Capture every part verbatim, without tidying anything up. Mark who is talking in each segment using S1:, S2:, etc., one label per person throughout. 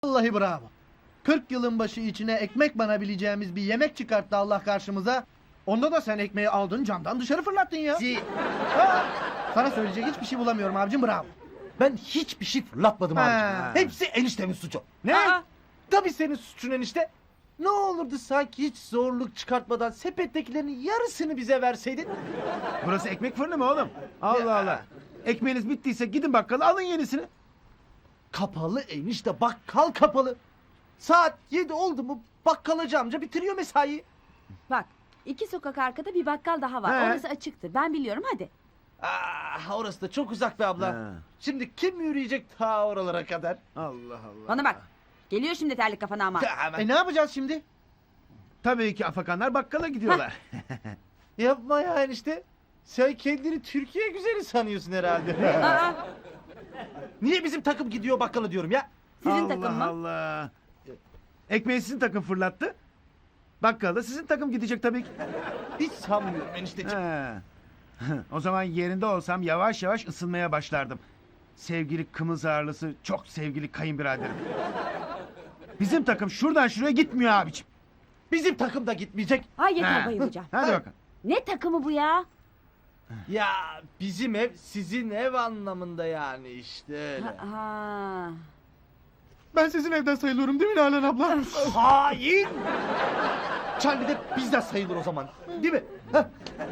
S1: Vallahi bravo. kırk yılın başı içine ekmek banabileceğimiz bir yemek çıkarttı Allah karşımıza. Onda da sen ekmeği aldın camdan dışarı fırlattın ya.
S2: Si.
S1: Ha, sana söyleyecek hiçbir şey bulamıyorum abicim, bravo.
S2: Ben hiçbir şey fırlatmadım
S1: Ha.
S2: abiciğim. Hepsi eniştemin suçu.
S1: Ne?
S2: Aa, tabii senin suçun enişte. Ne olurdu sanki hiç zorluk çıkartmadan sepettekilerin yarısını bize verseydin?
S3: Burası ekmek fırını mı oğlum? Allah Allah. Ekmeğiniz bittiyse gidin bakkala alın yenisini.
S2: Kapalı enişte, bakkal kapalı. Saat yedi oldu mu bakkalacı amca bitiriyor mesaiyi.
S4: Bak, iki sokak arkada bir bakkal daha var.
S3: He.
S4: Orası açıktır. Ben biliyorum, hadi.
S2: Ah, orası da çok uzak be abla.
S3: Ha.
S2: Şimdi kim yürüyecek ta oralara kadar?
S3: Allah Allah.
S4: Bana bak. Geliyor şimdi terlik kafana ama.
S2: Hemen.
S1: E ne yapacağız şimdi?
S3: Tabii ki afakanlar bakkala gidiyorlar.
S2: Yapma ya enişte. Sen kendini Türkiye güzeli sanıyorsun herhalde.
S4: Aa,
S2: Niye bizim takım gidiyor bakkala diyorum ya?
S4: sizin
S3: Allah
S4: takım mı?
S3: Allah. Ekmeği sizin takım fırlattı. Bakkala sizin takım gidecek tabii ki.
S2: Hiç sanmıyorum enişteciğim.
S3: Ha. O zaman yerinde olsam yavaş yavaş ısınmaya başlardım. Sevgili kımız ağırlısı, çok sevgili kayınbiraderim. Bizim takım şuradan şuraya gitmiyor abiciğim.
S2: Bizim takım da gitmeyecek.
S4: Ay yeter
S3: Ha.
S4: bayılacağım.
S3: Hadi bakalım.
S4: Ne takımı bu ya?
S2: Ya bizim ev sizin ev anlamında yani işte öyle.
S4: Ha, ha.
S1: Ben sizin evden sayılıyorum değil mi Nalan abla?
S2: Hain! Charlie de bizden sayılır o zaman. Değil mi? Heh.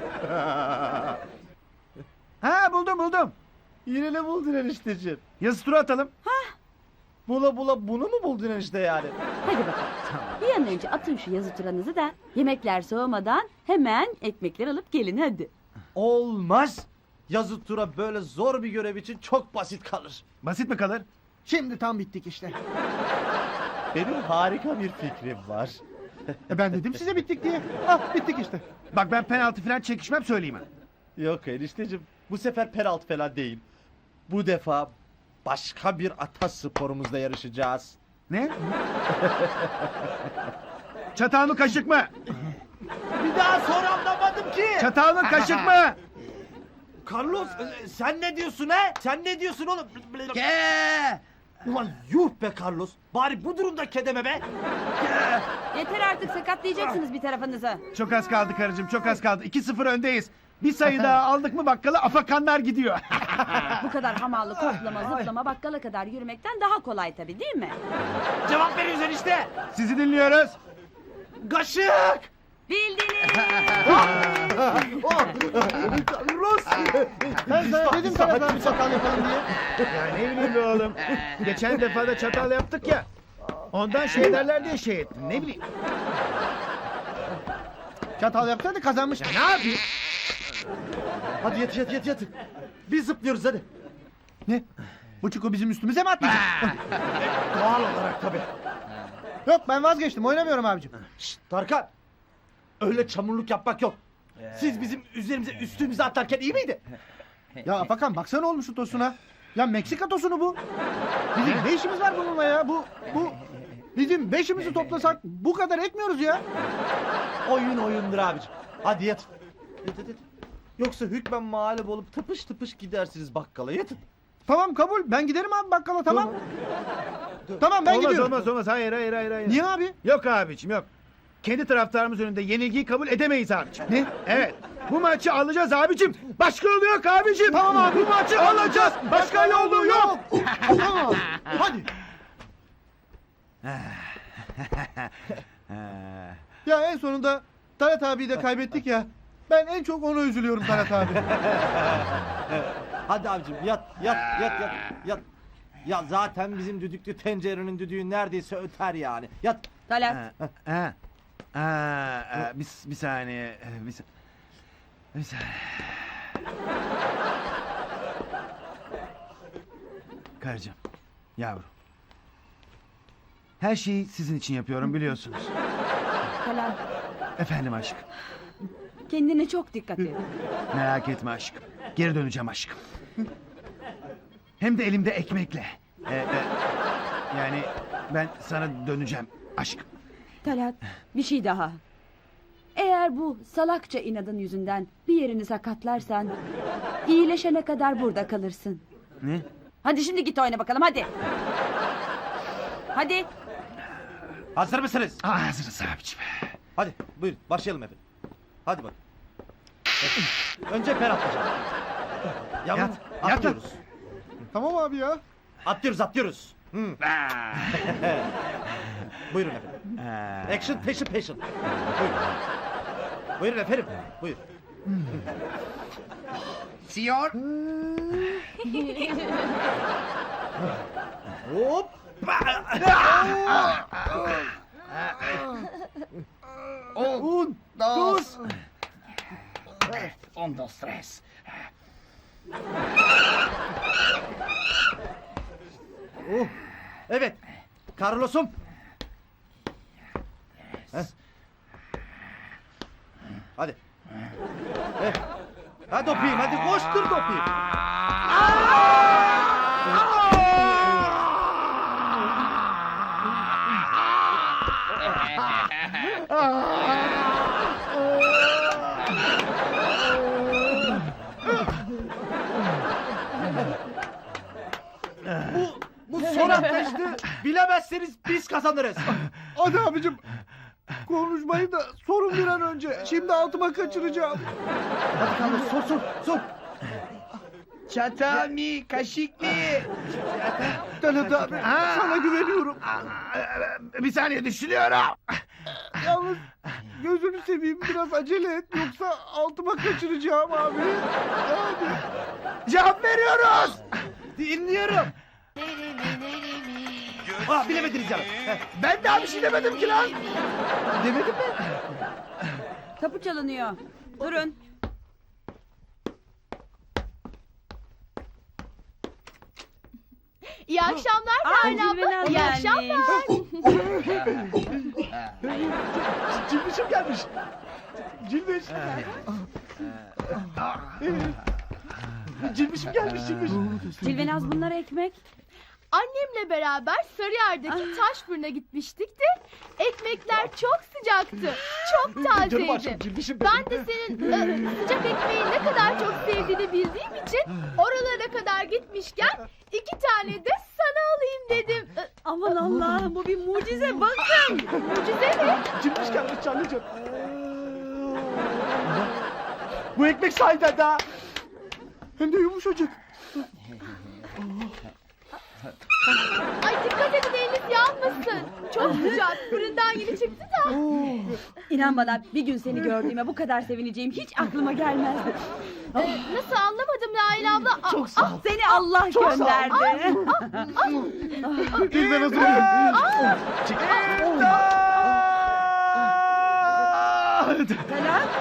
S3: Ha buldum buldum.
S2: Yine ne buldun enişteciğim?
S3: Yazı tura atalım.
S2: Bula bula bunu mu buldun enişte yani?
S4: Hadi bakalım. Bir an önce atın şu yazı turanızı da yemekler soğumadan hemen ekmekler alıp gelin hadi.
S2: Olmaz. Yazı tura böyle zor bir görev için çok basit kalır.
S3: Basit mi kalır?
S1: Şimdi tam bittik işte.
S2: Benim harika bir fikrim var.
S1: E ben dedim size bittik diye. Ah bittik işte.
S3: Bak ben penaltı falan çekişmem söyleyeyim ha.
S2: Yok enişteciğim, bu sefer penaltı falan değil. Bu defa başka bir ata sporumuzda yarışacağız.
S3: Ne? Çatal mı kaşık mı?
S2: Bir daha sonra anlamadım ki.
S3: Çatal mı kaşık mı?
S2: Carlos e, sen ne diyorsun he? Sen ne diyorsun oğlum?
S3: Ke!
S2: Ulan yuh be Carlos. Bari bu durumda kedeme be.
S4: Yeter artık, sakatlayacaksınız bir tarafınızı.
S3: Çok az kaldı karıcığım, çok az kaldı. iki sıfır öndeyiz. Bir sayı daha aldık mı bakkala afakanlar gidiyor.
S4: Bu kadar hamallı, koklama, zıplama bakkala kadar yürümekten daha kolay tabii değil mi?
S2: Cevap veriyorsun enişte.
S3: Sizi dinliyoruz.
S2: Kaşık.
S4: Bildiniz.
S2: Oh. Carlos.
S1: Ben sana dedim sana daha bir çatal yapalım diye.
S3: Ya ne bileyim be oğlum. Geçen defa da çatal yaptık ya. Ondan şey derler diye şey ettim, ne bileyim.
S1: Çatal yapsaydı kazanmıştık.
S3: Ne yapayım?
S2: Hadi yat yat yat yat. Biz zıplıyoruz hadi.
S1: Ne? Bu çukur bizim üstümüze mi atlayacak?
S2: Doğal olarak tabii.
S1: Yok ben vazgeçtim, oynamıyorum abicim.
S2: Şşt Tarkan. Öyle çamurluk yapmak yok. Siz bizim üzerimize üstümüze atlarken iyi miydi?
S1: Ya Afakan baksana olmuş şu tosuna. Ya Meksika tosunu bu. Bizim ne işimiz var bununla ya? Bu, bu... Bizim beşimizi toplasak bu kadar etmiyoruz ya.
S2: Oyun oyundur abicim. Hadi yat. Yat yat yat. Yoksa hükmen mağlup olup tıpış tıpış gidersiniz bakkala yatın.
S1: Tamam kabul, ben giderim abi bakkala, tamam. Tamam ben
S3: olmaz,
S1: gidiyorum.
S3: olmaz olmaz hayır hayır hayır. hayır.
S1: Niye abi?
S3: Yok abiciğim yok. Kendi taraftarımız önünde yenilgiyi kabul edemeyiz abiciğim.
S1: Ne?
S3: Evet. Bu maçı alacağız abicim. Başka yolu yok abicim.
S1: Tamam abi.
S3: Bu maçı alacağız. Başka yolu yok.
S1: Tamam. Hadi. Ya en sonunda Talat abiyi de kaybettik ya. Ben en çok ona üzülüyorum Talat abi.
S2: Hadi abicim yat yat yat yat yat. Ya zaten bizim düdüklü tencerenin düdüğü neredeyse öter yani. Yat.
S4: Talat.
S3: Ha, ha, ha, ha, bir, bir saniye. Bir, sa- bir saniye. Karıcığım, yavrum. Her şeyi sizin için yapıyorum biliyorsunuz.
S4: Talat.
S3: Efendim aşkım.
S4: Kendine çok dikkat et.
S3: Merak etme aşkım. Geri döneceğim aşkım. Hem de elimde ekmekle. Ee, e, yani ben sana döneceğim aşkım.
S4: Talat, bir şey daha. Eğer bu salakça inadın yüzünden bir yerini sakatlarsan iyileşene kadar burada kalırsın.
S3: Ne?
S4: Hadi şimdi git oyna bakalım hadi. Hadi.
S2: Hazır mısınız?
S3: Ah, hazırız abicim.
S2: Hadi buyurun başlayalım efendim. Hadi bakın. Önce per atlayacağım. Yavrum
S3: Yat, yat.
S2: atlıyoruz.
S1: Tamam abi ya.
S2: Atlıyoruz atlıyoruz. Hı.
S3: Ah.
S2: Buyurun efendim.
S3: Ah.
S2: Action peşin peşin. Buyurun. Buyurun efendim. Buyur.
S3: Siyor.
S2: Hop.
S3: Un, dos. Un, dos, tres.
S2: Oh. Evet. Carlos'um. Heh. Hadi. Eh. Hadi öpeyim, hadi koştur da öpeyim. Bu, bu son atlayıştı. Bilemezseniz biz kazanırız.
S1: Hadi abicim. Konuşmayı da sorun bir an önce. Şimdi altıma kaçıracağım.
S2: Hadi Carlos, sor sor sor.
S3: Çatal mı, kaşık mı?
S1: Talat abi
S3: Ha.
S1: sana güveniyorum.
S3: Bir saniye düşünüyorum.
S1: Yalnız gözünü seveyim biraz acele et. Yoksa altıma kaçıracağım abi. Hadi.
S3: Cevap veriyoruz.
S2: Dinliyorum. Ah bilemediniz canım. Heh.
S3: Ben daha bir şey demedim ki lan.
S2: Demedim mi?
S4: Kapı çalınıyor. Durun.
S5: İyi akşamlar
S4: Aa,
S5: Ferdi abla.
S4: Zülbenaz
S5: İyi
S4: gelmiş.
S5: akşamlar.
S1: Cilmişim gelmiş. Cilmiş. Cilmişim gelmiş Cilmiş.
S4: Cilvenaz bunlar ekmek.
S5: Annemle beraber Sarıyer'deki taş fırına gitmiştik de ekmekler çok sıcaktı. Çok
S1: Canım
S5: tazeydi.
S1: aşkım Cilmişim.
S5: Ben de senin e, sıcak ekmeği ne kadar çok sevdiğini bildiğim için oralara kadar gitmişken iki tane de sana alayım dedim. E,
S4: Aman Allah'ım bu bir mucize bakın.
S5: Mucize mi?
S1: Cilmiş gelmiş Canlıcığım. Bu ekmek sahiden daha. Hem de yumuşacık.
S5: Ay dikkat edin eliniz yanmasın. Çok sıcak. Fırından yeni çıktı da.
S4: İnan bana bir gün seni gördüğüme bu kadar sevineceğim hiç aklıma gelmezdi.
S5: E, nasıl anlamadım Nail abla? A-
S1: Çok sağ ol.
S4: Seni Allah
S1: Çok sağ ol.
S4: gönderdi.
S1: Dilben hazır.
S4: Talat,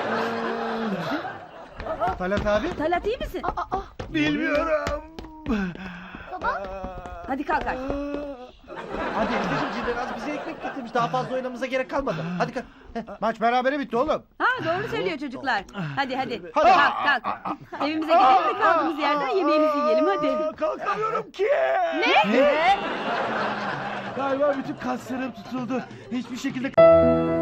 S1: Talat abi.
S4: Talat iyi misin?
S5: Aa, aa,
S3: Bilmiyorum.
S5: baba.
S4: Hadi kalk artık.
S2: Hadi Elif'ciğim Cilvenaz bize ekmek getirmiş. Daha fazla oynamamıza gerek kalmadı. Hadi kalk. Heh.
S1: Maç berabere bitti oğlum.
S4: Ha doğru söylüyor çocuklar. Hadi hadi.
S1: Hadi.
S4: Kalk kalk. Evimize gidelim ve kaldığımız yerden yemeğimizi yiyelim hadi.
S3: Kalkamıyorum ki.
S4: Ne?
S3: Galiba bütün kaslarım tutuldu. Hiçbir şekilde